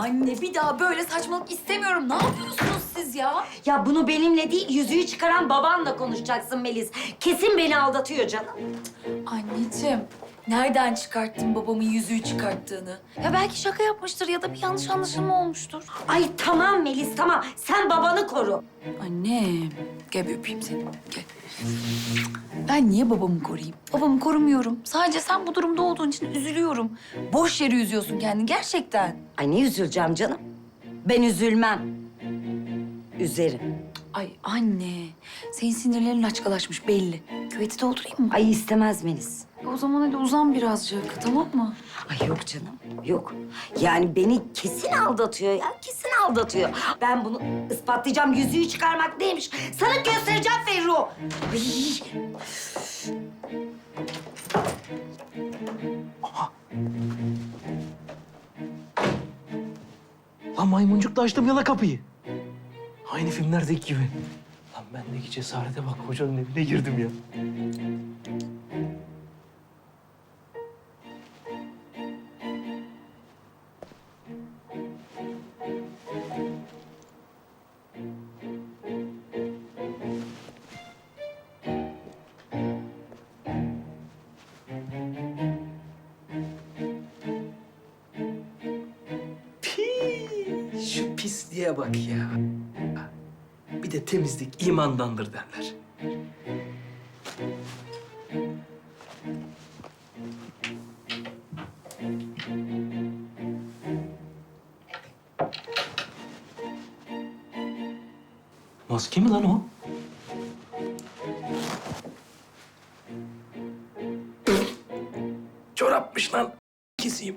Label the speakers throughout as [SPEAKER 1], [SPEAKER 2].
[SPEAKER 1] Anne bir daha böyle saçmalık istemiyorum. Ne yapıyorsunuz siz ya?
[SPEAKER 2] Ya bunu benimle değil, yüzüğü çıkaran babanla konuşacaksın Melis. Kesin beni aldatıyor canım.
[SPEAKER 1] Anneciğim, nereden çıkarttın babamın yüzüğü çıkarttığını? Ya belki şaka yapmıştır ya da bir yanlış anlaşılma olmuştur.
[SPEAKER 2] Ay tamam Melis, tamam. Sen babanı koru.
[SPEAKER 1] Annem, gel bir öpeyim seni. Gel. Ben niye babamı koruyayım? Babamı korumuyorum. Sadece sen bu durumda olduğun için üzülüyorum. Boş yere üzüyorsun kendini gerçekten.
[SPEAKER 2] Ay ne üzüleceğim canım? Ben üzülmem. Üzerim.
[SPEAKER 1] Ay anne, senin sinirlerin laçkalaşmış belli. Küveti doldurayım mı?
[SPEAKER 2] Ay istemez Melis.
[SPEAKER 1] O zaman hadi uzan birazcık, tamam mı?
[SPEAKER 2] Ay yok canım, yok. Yani beni kesin aldatıyor ya, kesin aldatıyor. Ben bunu ispatlayacağım, yüzüğü çıkarmak neymiş? Sana göstereceğim Ferru. Ay.
[SPEAKER 3] Lan maymuncukla açtım yala kapıyı. Aynı filmlerdeki gibi. Lan bendeki cesarete bak, hocanın evine girdim ya. Pii, şu pisliğe bak ya. Bir de temizlik imandandır derler. Maske mi lan o? Çorapmış lan. Keseyim.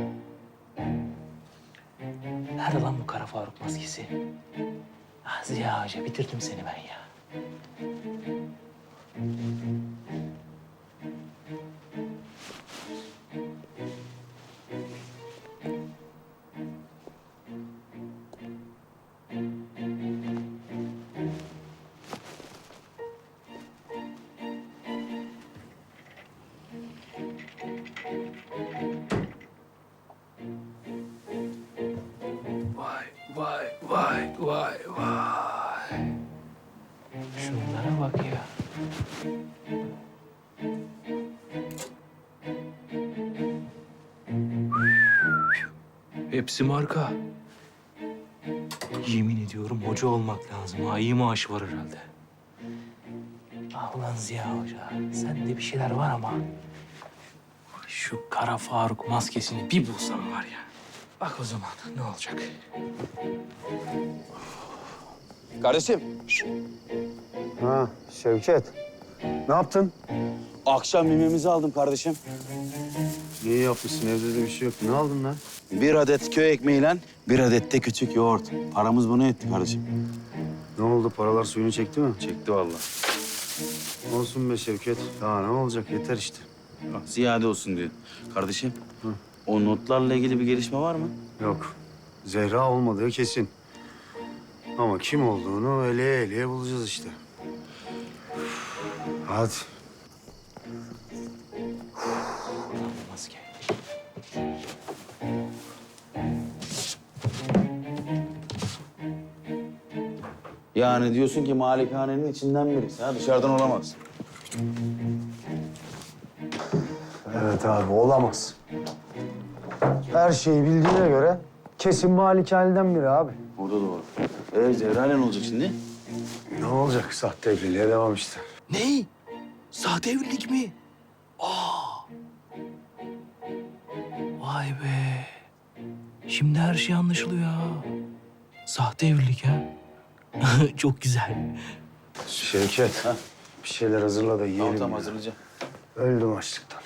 [SPEAKER 3] Nerede lan bu Kara Faruk maskesi? Ah Ziya Hoca, bitirdim seni ben ya. Vay, vay, vay, vay, vay. Şunlara bak ya. Hepsi marka. Yemin ediyorum hoca olmak lazım. Ha, iyi maaş var herhalde. Ah ulan Ziya Hoca, sende bir şeyler var ama... ...şu Kara Faruk maskesini bir bulsam var ya... ...bak o zaman ne olacak?
[SPEAKER 4] Kardeşim,
[SPEAKER 5] Ha Şevket. Ne yaptın?
[SPEAKER 4] akşam yemeğimizi aldım kardeşim.
[SPEAKER 5] İyi yapmışsın. Evde de bir şey yok. Ne aldın lan?
[SPEAKER 4] Bir adet köy ekmeğiyle bir adet de küçük yoğurt. Paramız bunu etti kardeşim.
[SPEAKER 5] Ne oldu? Paralar suyunu çekti mi? Çekti vallahi. Olsun be Şevket. Daha ne olacak? Yeter işte.
[SPEAKER 4] Ziyade olsun diyor. Kardeşim, o notlarla ilgili bir gelişme var mı?
[SPEAKER 5] Yok. Zehra olmadığı kesin. Ama kim olduğunu eleye eleye bulacağız işte. Hadi.
[SPEAKER 3] Maske.
[SPEAKER 4] Yani diyorsun ki malikanenin içinden birisi ha, dışarıdan olamaz.
[SPEAKER 5] Evet abi olamaz. Her şeyi bildiğine göre kesin malikaneden biri abi.
[SPEAKER 4] O da doğru. Zehra ne olacak şimdi?
[SPEAKER 5] Ne olacak? Sahte evliliğe devam işte.
[SPEAKER 3] Ne? Sahte evlilik mi? Aa! Vay be. Şimdi her şey anlaşılıyor ha. Sahte evlilik ha. Çok güzel.
[SPEAKER 5] Şevket.
[SPEAKER 4] Ha?
[SPEAKER 5] Bir şeyler hazırla da yiyelim.
[SPEAKER 4] Tamam,
[SPEAKER 5] ya.
[SPEAKER 4] hazırlayacağım.
[SPEAKER 5] Öldüm açlıktan.